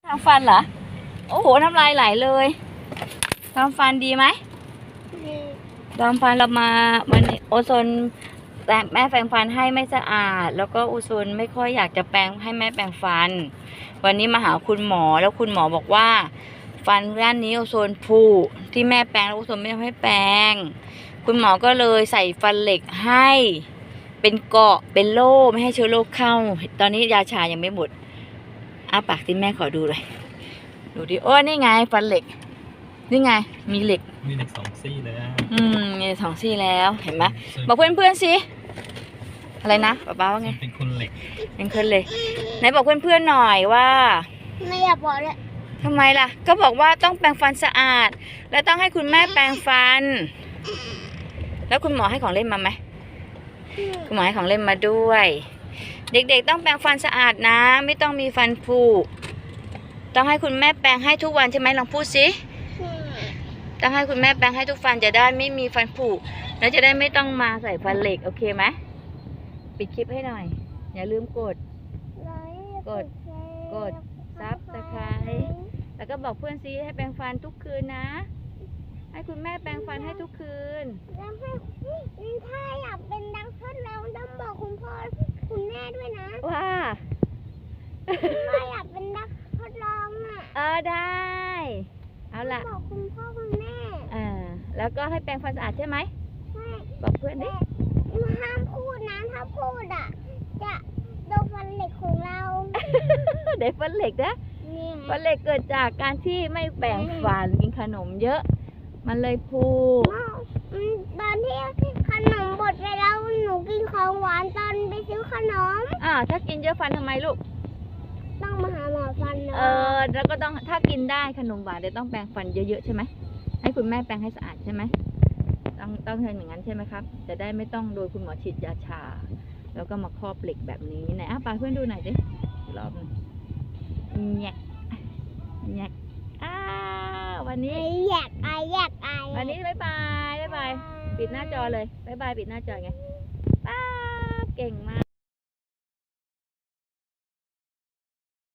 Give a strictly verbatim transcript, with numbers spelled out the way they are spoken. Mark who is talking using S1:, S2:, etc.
S1: ทำฟันเหรอโอ้โหน้ำลายไหลเลยทำฟันดีไหมทำฟันเรามาวันนี้โอโซนแต่แม่แปรงฟันให้ไม่สะอาดแล้วก็โอโซนไม่ค่อยอยากจะแปรงให้แม่แปรงฟันวันนี้มาหาคุณหมอแล้วคุณหมอบอกว่าฟันด้านนี้โอโซนผุที่แม่แปรงแล้วโอโซนไม่ทำให้แปรงคุณหมอก็เลยใส่ฟันเหล็กให้เป็นเกราะเป็นโล่ไม่ให้เชื้อโรคเข้าตอนนี้ยาชายังไม่หมดอ้าปากที่แม่ขอดูเลยดูดิโอ้นี่ไงฟันเหล็กนี่ไงมีเหล็ก
S2: มีเหล็กสองซี่เลยอ่ะ
S1: อืมมีสองซี่แล้วเห็นไหมบอกเพื่อนเพื่อนสิอะไรนะป๊าป๊าว่าไง
S2: เป็นคนเหล็ก
S1: เป็นคนเลยไหนบอกเพื่อนเพื่อนหน่อยว่า
S3: ไม่อยากบอกเลย
S1: ทำไมล่ะก็บอกว่าต้องแปรงฟันสะอาดแล้วต้องให้คุณแม่แปรงฟันแล้วคุณหมอให้ของเล่นมาไหมคุณหมอให้ของเล่นมาด้วยเด็กๆต้องแปรงฟันสะอาดนะไม่ต้องมีฟันผุต้องให้คุณแม่แปรงให้ทุกวันใช่ไหมลองพูดสิต้องให้คุณแม่แปรงให้ทุกฟันจะได้ไม่มีฟันผุแล้วจะได้ไม่ต้องมาใส่ฟันเหล็กโอเคไหมปิดคลิปให้หน่อยอย่าลืมกดกดกดซับสไครบ์แล้วก็บอกเพื่อนซิให้แปรงฟันทุกคืนนะให้คุณแม่แปรงฟันให้ทุกคืน
S3: แล้วให้ถ้าอยากเป็นนักทดลองต้องบอกคุณพ่อคุณแม่ด้วยนะ
S1: ว่า
S3: ถ้าอยากเป็นนักทดลองอ่ะ
S1: เออได้เอาล่ะ
S3: บอกคุณพ่อคุณแม่
S1: อ่าแล้วก็ให้แปรงฟันสะอาดใช่ไหม
S3: ใช่
S1: บอกเพื่อนดิ
S3: ห้ามพูดนะถ้าพูดอ่ะจะโดนฟันเหล็กของเรา
S1: เด็กฟันเหล็กนะฟันเหล็กเกิดจากการที่ไม่แปรงฟันกินขนมเยอะมันเลยพู
S3: ตอนที่ขนมบดไปแล้วหนูกินของหวานตอนไปซื้อขนม
S1: อ่าถ้ากินเยอะฟันทำไมลูก
S3: ต้องมาหาหมอฟันนะ
S1: เออแล้วก็ต้องถ้ากินได้ขนมหวานแต่ต้องแปรงฟันเยอะๆใช่ไหมให้คุณแม่แปรงให้สะอาดใช่ไหมต้องต้องทำอย่างนั้นใช่ไหมครับจะได้ไม่ต้องโดยคุณหมอฉีดยาชาแล้วก็มาครอบเหล็กแบบนี้ไหนอ่ะปาเพื่อนดูหน่อยดิรอบหนึ่งแยกแยกอ้าวันนี้
S3: แยกไอแยกไอ
S1: วันนี้บ๊ายบายบ๊ายบายปิดหน้าจอเลยบ๊ายบายปิดหน้าจอไงป้าเก่งมาก